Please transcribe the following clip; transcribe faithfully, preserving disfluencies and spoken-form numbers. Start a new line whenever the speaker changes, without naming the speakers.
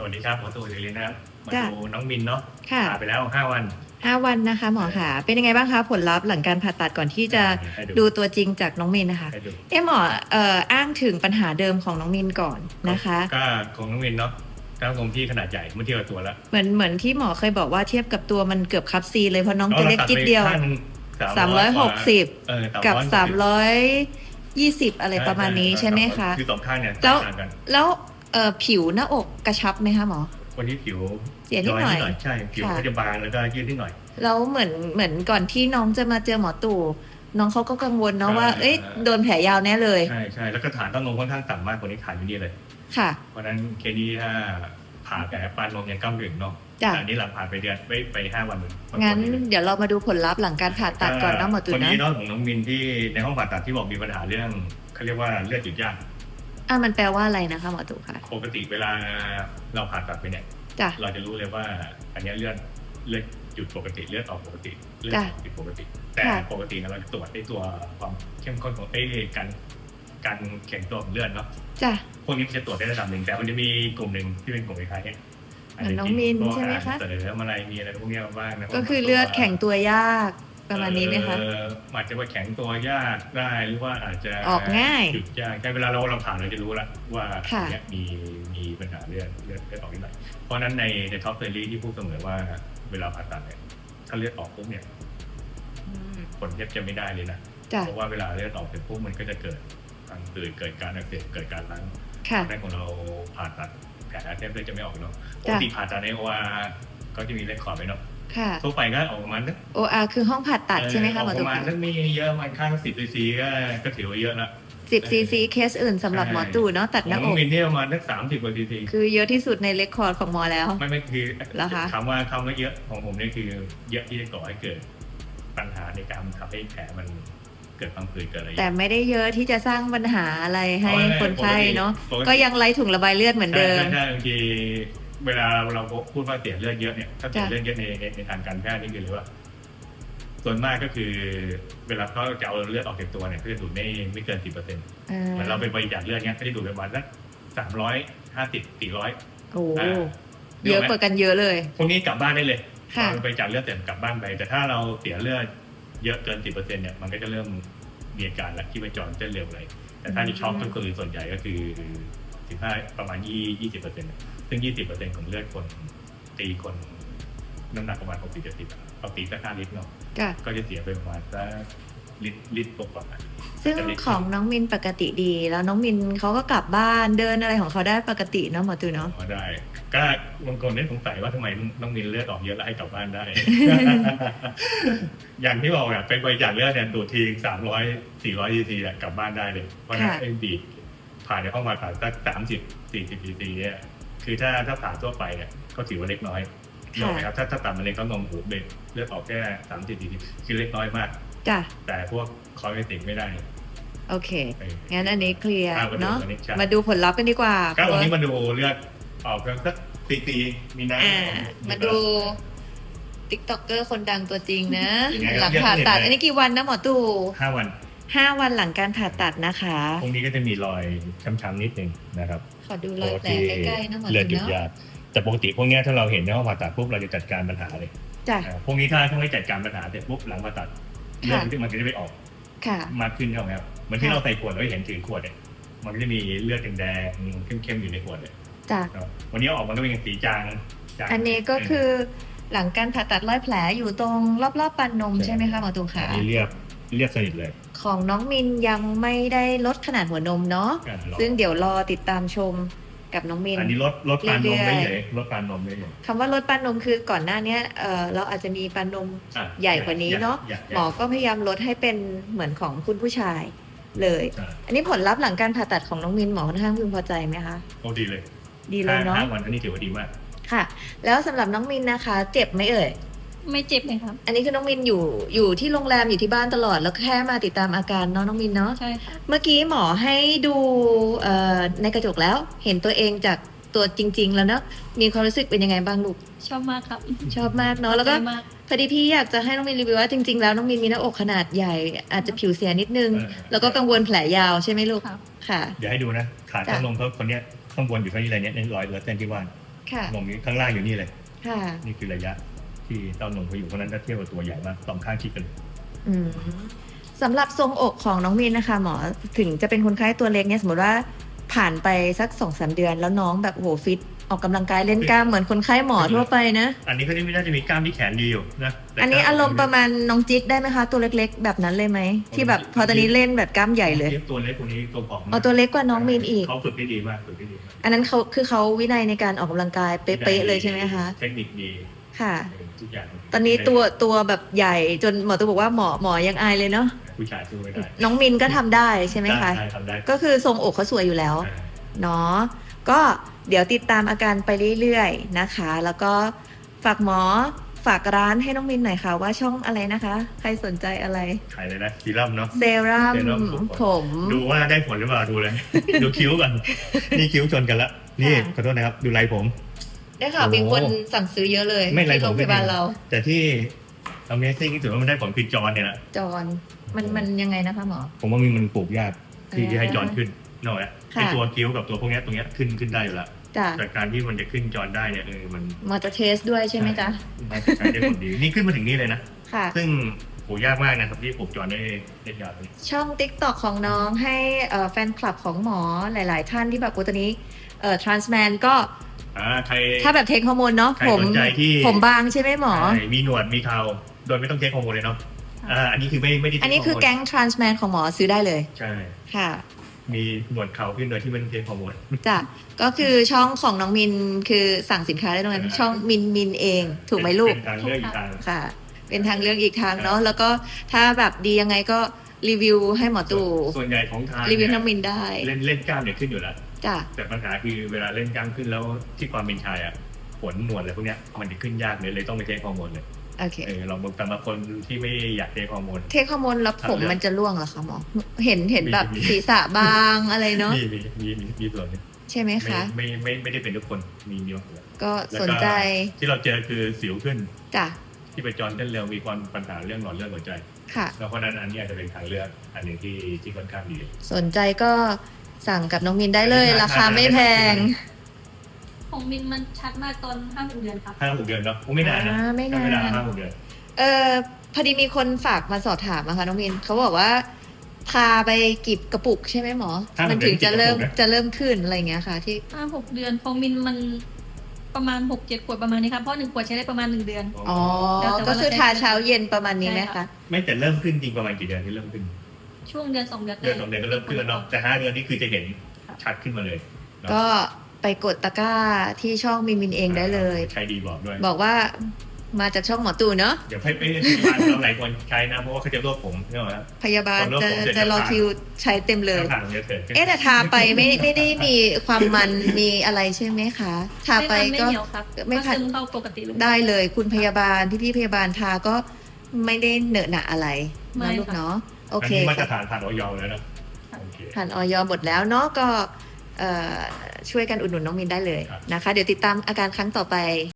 วัสดีครับหมอตู่ศิรินะครับมา
จ้ะ
ดูน้องมินเนาะ
ค่ะ
ผ่าไปแล้วห้าวัน
ห้าวันนะคะหมอค่ะ เป็นยังไงบ้างคะผลลัพธ์หลังการผ่าตัดก่อนที่จะ
ให้ดู
ดูตัวจริงจากน้องมินนะคะ
ให้ดู
เอ๊ะหมอเอ่ออ้างถึงปัญหาเดิมของน้องมินก่อนนะคะ
ก็ของน้องมินเนาะกล้ามตรงที่ขนาดใหญ่เมื่อเทียบกับตัวแล้ว
เหมือนเหมือนที่หมอเคยบอกว่าเทียบกับตัวมันเกือบคับซีเลยเพราะน้องตัวเล็กจิดเดียว สามร้อยหกสิบ
เออ
กับ
สา
สาม ม
ร้อย
ร้อยยี่สิบอะไรประมาณนี้ใช่ไหมคะ
คือสองข้างเนี่ย
แล้ว
ต่างกัน
แล้วเอ่อผิวหน้าอกกระชับไหมคะหมอ
คนที่ผิว
เสียนิดหน่อย
ใช่ผิว
ค่ะ
ก็จะบางแล้วก็ยืดนิดหน่อย
แล้วเหมือนเหมือนก่อนที่น้องจะมาเจอหมอตู่น้องเขาก็กังวลเนาะว่า
ใช่
เอ้ยโดนแผลยาวแน่เลย
ใช่ใช่แล้วก็ฐานเต้านมค่อนข้างต่ำมากคนนี้ขาดอยู่นี่เลย
ค่ะ
เพราะฉะนั้นเคสนี้ถ้าผ่าแผลปานนมยังก้ามถึงเนาะ
จ้ะ
แต่อันนี้หลังผ่าไปเดือนไปไปห้าวันมึง
งั้นเดี๋ยวเรามาดูผลลัพธ์หลังการผ่าตัดก่อนนะหมอตู่
คน
นะ
นี้เนาะของน้องมินที่ในห้องผ่าตัดที่บอกมีปัญหาเรื่องเขาเรียกว่าเลือดหยุดยาก
อ่ะมันแปลว่าอะไรนะคะหมอตู่คะ
ปกติเวลาเราผ่าตัดไปเนี่ย
จ้ะ
เราจะรู้เลยว่าอันเนี้ยเลือดเลือดหยุดปกติเลือดออกปกติเลือด
จ้ะ
ออกผิดปกติ แต่
ค่ะ
ปกติเนี่ยเราจะตรวจในตัวความเข้มข้นของเอ้ยการการแข็งตัวของเลือดเนาะ
จ้ะ
พวกนี้มันจะตรวจได้ระดับหนึ่งแต่มันจะมีกลุ่มหนึ่งที่เป็นกลุ่มคล้ายๆเนี่ย
เหมือนน้องมิน
พวก
ใช่ไหมคะ
อาหารเสริมอะไรมีอะไรพวกเนี้ยบ้างนะ
ก็คือเลือดแข็งตัวยากประมาณนี้ไหมคะ
เอออาจจะว่าแข็งตัวยากได้หรือว่าอาจจะ
ออกง่าย
หยุดยากใช่เวลาเราเราผ่านเราจะรู้ละว่า
ค่ะ
เนี้ยมีมีปัญหาเลือดเลือดเลือดออกนิดหน่อยเพราะฉะนั้นในในท็อปเทอรี่ที่พูดเสมอว่าเวลาผ่าตัดเนี่ยถ้าเลือดออกปุ๊บเนี่ย
อืม
ผลแทบจะไม่ได้เลยนะ
จ้ะ
เพราะว่าเวลาเลือดออกเสร็จปุ๊บมันก็จะเกิดการตื่นเกิดการอักเสบเกิดการล้าง
ค่ะ
ในของเราผ่าตัดแผลแทบจะไม่ออกเนาะปก
จ้ะ
ติผ่าตัดในโออาก็จะมีเลขขอร์ดไปเนาะ
ค่ะ
ทั่วไปก็ออกประมาณนึก
โออาร์คือห้องผ่าตัดใช่ไหมคะหมอ
ป
ตู่
ระมาณ
คะ
นึกมีเยอะมันข้างสิบซีซีก็ก็ถือว่าเยอะละ
สิบซีซีเคสอื่นสำหรับหมอตู่เนาะตัดหน้า
ข
อ
อง
ก
มินเนี่ยประมาณนึกสามสิบกว่าซีซี
คือเยอะที่สุดในเรคคอร์ดของหมอแล้ว
ไม่ไม่คือ
เหรอคะ
คำว่าคำว่าเยอะของผมเนี่ยคือเยอะที่จะก่อให้เกิดปัญหาในการทำให้แผลมันเกิดพังผืดเกิดอะไร
แต่ไม่ได้เยอะที่จะสร้างปัญหาอะไรให้คนไข้เนาะ
ปติ
ก็ยังไล่ถุงระบายเลือดเหมือนเดิม
ใช่ใช่บางทีเวลาเราพูดว่าเสียเลือดเยอะเนี่ยถ้าเสีย
จ้ะ
เลือดเยอะในในในทางการแพทย์นี่คือเลยว่า ส่วนมากก็คือ เวลาเขาจะเอาเลือดออกจากตัวเนี่ยเขาจะดูดไม่ไม่เกินสิบเปอร์เซ็นต์
อ่า
เหมือนเราเป็นบริจาคเลือดเนี้ยก็จะดูดประมาณสักสามร้อยห้าสิบสี่ร้อย
โอ้
อ่า
เยอะกว่ากันเยอะเลย
พวกนี้กลับบ้านได้เลย
ค่ะ
เราไปจากเลือดเต็มกลับบ้านไป แต่ถ้าเราเสียเลือดเยอะเกินสิบเปอร์เซ็นต์เนี่ยมันก็จะเริ่มมีอาการแล้วที่ไปจรเต้นเร็วเลยแต่ถ้าที่ช็อกก็คือส่วนใหญ่ก็คือสิบห้าประมาณยี่ยี่สิบเปอร์เซ็นต์ซึ่งยี่สิบเปอร์เซ็นต์ของเลือดคนตีคนน้ำหนักประมาณหกสิบเจ็ดสิบเอาตีสักห้าลิตรเนาะ
ค่ะ
ก็จะเสียไปประมาณสักลิตรลิตรกว่า
ซึ่งของน้องมินปกติดี แล้วน้องมินเขาก็กลับบ้านเดินอะไรของเขาได้ปกติเนาะหมอตู่เนาะ
พอได้ ก็บางคนได้สงสัยว่าทำไมต้องมีเลือดออกเยอะแล้วให้กลับบ้าน ได้ อย่างที่บอกอะเป็นบริจาคเลือดเนี่ยดูดทีสามร้อยสี่ร้อยซีซีกลับบ้านได้เลย เพราะฉะนั้น
ค่ะ
ไอ้บีบผ่านในห้องผ่าตัดสักสามสิบสี่สิบซีซีเนี่ยคือถ้าถ้าผ่าทั่วไปเนี่ยก็ถือว่าเล็กน้อยเนกอะไหมครับถ้าถ้าตัดมะเร็งเต้านมหูเบ็ดเลือดออกแค่สามสิบซีซีคือเล็กน้อยมาก
จ้ะ
แต่พวกคอเลสเตอรอลไม่ได้
โอเค
เออ
งั้นอันนี้เคลียร์
อ่ะมาดู
เนาะ
อันนี้ใช่
มาดูผลลัพธ์กันดีกว่า
ก็วันนี้มาดูเลือดออกสักซีซีมีน้ำ
อ่า
ออก
มาดูติ๊กต็อกเกอร์คนดังตัวจริงนะ
ยังไง
หลัง
ครับ
ผ่าตัด
เยอะเลย
อันนี้กี่วันนะหมอตู่
ห้าวัน
ห้าวันหลังการผ่าตัดนะคะ
พวกนี้ก็จะมีรอยช้ำๆนิดนึงนะครับ
ขอดูรอยแผลใกล้ๆนะหมอ
เลือด
ตู่
หยุด
เนาะ
ยาแต่ปกติพวกเนี้ยถ้าเราเห็นในห้องผ่าตัดปุ๊บเราจะจัดการปัญหาเลย
จ้ะ
อ่าพวกนี้ถ้าถ้าไม่จัดการปัญหาเสร็จปุ๊บหลังผ่าตัดเลือด
ค่ะ
ที่มันก็จะไปออก
ค่ะ
มากขึ้นใช่ไหมครับเหมือนที่
ค่ะ
เราใส่ขวดเราเห็นถือขวดเนี่ยมันก็จะมีเลือดแดงๆเข้มๆอยู่ในขวดเนี่ย
จ้ะ
ครับวันนี้เอาออกมันก็เป็นสีจางจาง
อันนี้ก็คือหลังการผ่าตัดรอยแผลอยู่ตรงรอบๆปันนมใช่ไหมคะหมอตู่
อั
คะ
นนี้เรียบเรียบสนิทเลย
ของน้องมินยังไม่ได้ลดขนาดหัวนมเนาะ
อ่ารอ
ซึ่งเดี๋ยวรอติดตามชมกับน้องมิน
อันนี้ลดลดปานนมได้
เรื่อยๆ
เลยลดปานนมได้เลย
คำว่าลดปานนมคือก่อนหน้าเนี้ยเออเราอาจจะมีปานนม
อ่ะ
ใหญ่กว่านี้เนอะ
ใญ่ใญ่
หมอก็พยายามลดให้เป็นเหมือนของคุณผู้ชายเลย
ใช่
อันนี้ผลลัพธ์หลังการผ่าตัดของน้องมินหมอค่อนข้างพึงพอใจไหมคะ
โอ้ดีเลย
ดีเลยเนาะ
ห้าวันอันนี้ถือว่าดีมาก
ค่ะ แล้วสำหรับน้องมินนะคะ เจ็บไหมเอ่ย
ไม่เจ็บเลยครับ
อันนี้คือน้องมินอยู่อยู่ที่โรงแรมอยู่ที่บ้านตลอดแล้วแค่มาติดตามอาการเนาะน้องมินเนาะ
ใช่ค่ะ
เมื่อกี้หมอให้ดูเอ่อในกระจกแล้ว เห็นตัวเองจากตัวจริง ๆ แล้วเนาะมีความรู้สึกเป็นยังไงบ้างลูก
ชอบมากครับ
ชอบมากเนาะแล้วก็
ชอบมาก
พอดีพี่อยากจะให้น้องมินรีวิวว่าจริงๆแล้วน้องมินมีหน้าอกขนาดใหญ่ อาจจะผิวเสียนิดนึง
เออ
แล้วก็กังวลแผลยาวใช่ไหมลูก
ครับ
ค่ะ
เดี๋ยวให้ดูนะขา
จ้ะ
ข้างนมเขาคนเนี้ยข้างบนอยู่เท่านี้อะไรเนี้ยในรอยเลือดเส้นที่ว่าน
ค่ะ
หม่อมนี้ข้างล่างอยู่นี่เลย
ค่ะ
นี่คือระยะที่เต้านมเขาอยู่เพราะฉะนั้นถ้าเทียบกับตัวใหญ่มากสองข้างชิดกันเลย
อืมสำหรับทรงอกของน้องมินนะคะ หมอถึงจะเป็นคนไข้ตัวเล็กเนี่ยสมมติว่าผ่านไปสักสองสามเดือนแล้วน้องแบบโหฟิตออกกำลังกายเล่นกล้ามเหมือนคนไข้หมอทั่วไปนะ
อันนี้เขาไม่น่าจะมีกล้ามที่แขนดีอยู่นะแต่
อันนี้
กล้
อารมณ์ประมาณน้องจิ๊กได้ไหมคะ ตัวเล็กๆ แบบนั้นเลยไหมที่แบบพอตอนนี้เล่นแบบกล้ามใหญ่เลย
ตัวเล็กคนนี้ตัวผอมมาก
เอาตัวเล็กกว่าน้องมินอีก
เขาฝึกได้ดีมากฝึกได้ดีมาก
อันนั้นเขาคือเขาวินัยในการออกกำลังกายเป๊ะๆเลยใช่ไหมคะ
เทคนิคดี
ค่ะ
ทุกอย่าง
ตอนนี้ตัวตัวแบบใหญ่จนหมอตัวบอกว่าหมอหมอยังอายเลยเนาะ
ผู้ชายสู้ไม่ได้
น้องมินก็ทำได้ใช่ไหมคะ
ได้ทำได้
ก็คือทรงอกเขาสวยอยู่แล้ว
อ่า
เนาะก็เดี๋ยวติดตามอาการไปเรื่อยๆนะคะ แล้วก็ฝากหมอฝากร้านให้น้องมินหน่อยค่ะว่าช่องอะไรนะคะ ใครสนใจอะไร
ขายเลยนะซีรั่มเนาะ
เซรั่ม
เซรั่มผม
ผม
ดูว่าได้ผลหรือเปล่าดูเลย ดูคิ้วก่อนนี่คิ้วชนกันละนี่
ค่ะ
ขอโทษนะครับดูไรผม
ได้ข่าวมีคนสั่งซื้อเยอะเลย
ไม่ไร
ที่
ผ
โร
ม
งพยาบาลเรา
แต่ที่ Amazing ที่สุดว่ามันได้ผลคือจอนเนี่ยแหละ
จอนมันมันยังไงนะคะหมอ
ผมว่ามันมันปลูกยากที่
อ่า
จะให้จอนขึ้นนอกจาก
ค่ะ
ไอตัวคิ้วกับตัวพวกเนี้ยตรงเนี้ยขึ้นขึ้นได้อยู่แล้ว
จ้ะ
แต่การที่มันจะขึ้นจอนได้เนี่ยเออมัน
หมอจะเทสด้วยใช่ไหมจ๊ะ
น่าจะใช้ได้ผลดีนี่ขึ้นมาถึงนี่เลยนะ
ค่ะ
ซึ่งโหยากมากนะครับที่ปลูกจอนได้ได้ยาวเลย
ช่อง ติ๊กต็อก ของน้องให้เอ่อแฟนคลับของหมอหลาย ๆ ท่านที่แบบโอ้ตอนนี้เอ่อ transman ก็
อ่าใคร
ถ้าแบบเทคฮอร์โมนเนาะ
ใคร
ผม
สนใจที่
ผมบางใช่ไหมหมอ
ใช่มีหนวดมีเขาโดยไม่ต้องเทคฮอร์โมนเลยเนาะอ่าอันนี้คือไม่ไม่ได้เท
อันนี้คือ
ฮร์โม
แก๊ง transman ของหมอซื้อได้เลย
ใช่
ค่ะ
มีหนวดเขาขึ้นโดยที่ไม่ต้องเทคฮอร์โมน
จ้ะก็คือช่องของน้องมินคือสั่งสินค้าได้ตรงนั้น
อ่า
ช่องมินมินเองถูกไหมลูก
เป็นการเลือกอีกทาง
ค่ะ เป็นทางเลือกอีกทางเนาะแล้วก็ถ้าแบบดียังไงก็รีวิวให้หมอตู่
ส่วนใหญ่ของทาง
รีวิวให้น้องมินได้
เล่นเล่นกล้ามเนี่ยขึ้นอยู่แล้ว
จ้ะ
แต่ปัญหาคือเวลาเล่นกล้ามขึ้นแล้วที่ความเป็นชายอ่ะขนหนวดอะไรพวกเนี้ยมันจะขึ้นยากเลยเลยต้องไปเทคฮอร์โมนเลย
โอเค
เออลองดูแต่บางคนที่ไม่อยากเทคฮอร์โมน
เทคฮอร์โมนแล้วผม
ทำเรื่อง
มันจะร่วงเหรอคะหมอเห็นเห็นแบบ
มี
ศีรษะบางอะไรเนาะ
มีมีมีมีมีส่วนหนึง
ใช่ไหม
ไม่
คะ
ไม่ไม่ไม่ได้เป็นทุกคนมีมีบางส่วน
ก็
แล้ว
สนใจ
ที่เราเจอคือสิวขึ้น
จ้ะ
ที่ไปจอนเต้นเร็วมีความปัญหาเรื่องหลอดเลือดหัวใจ
ค่ะ
แล้วเพราะฉะนั้นอันนี้อาจจะเป็นทางเลือกอันหนึ่งที่ที่ค่อนข้างดี
สนใจก็สั่งกับน้องมินได้เลย ราคาไม่แพง
ของมินมันชัดมากตอนห้าหกเดือนครับ
ห้าหกเดือนเนาะโอ้ไม่นานนะ
อ่าไม่นาน
ไม่นานห้าหกเดือน
เออพอดีมีคนฝากมาสอบถามนะคะน้องมินเขาบอกว่าพาไปกีบกระปุกใช่ไหมหมอ
ห้าหก
มันถึงจะเริ่ม
เดือนกี่กระปุกนะ
จะเริ่มขึ้นอะไรอย่างเงี้ยค่ะ ที่
ห้าหกเดือนของมินมันประมาณหกเจ็ดขวดประมาณนี้ครับ เพราะหนึ่งขวดใช้ได้ประมาณหนึ่งเดือน
อ๋อ
แล้วแต่ว่า
ก็คือทาเช้าเย็นประมาณนี้ไหม
ใช่
คะ
ค่ะ
ไม่แต่เริ่มขึ้นจริงประมาณกี่เดือนที่เริ่มขึ้น
ช่วงเดือนสองเดือน
เดือนสองเดือนก็เริ่มขึ้นแล้วเนาะแต่ห้าเดือนนี่คือจะเห็นชัดขึ้นมาเลยเนาะ
ก็ไปกดตะกร้าที่ช่องมินมินเองได้เลย
ใช้ดีบอกด้วย
บอกว่ามาจากช่องหมอตู่เนาะ
เดี๋ยวให้ไปพยาบาลเราหลายคนใช้นะเพราะว่าเขาจะรวบผมใช่ไหมครับ
พยาบาล
คนรอบ
จะ
ผมเสร็จ
จะรอ
จะผ่าน
คิวใช้เต็มเลย
ทางเยอะเกิน
เอ๊ะแต่ทาไปไม่ไม่ได้มีความมันมีอะไรใช่ไหมคะ ทาไป
ไม่
ก็
เหนียวครับ
ไม่
ก็
ขัด
ซึมเข้าปกติเลย
ได้เลยคุณพยาบาลพี่พี่ๆพยาบาลทาก็ไม่ได้เหนอะหนะอะไร
ไม่
นะลูก
ค่ะ
เนาะโอเค
อันนี้มาตร
ค่ะ
ฐานผ่านออยแล้วนะโอเค
ผ่านออยหมดแล้วเนาะก็เอ่อช่วยกันอุดหนุนน้องมินได้เลย
ครับ
นะคะ เดี๋ยวติดตามอาการครั้งต่อไป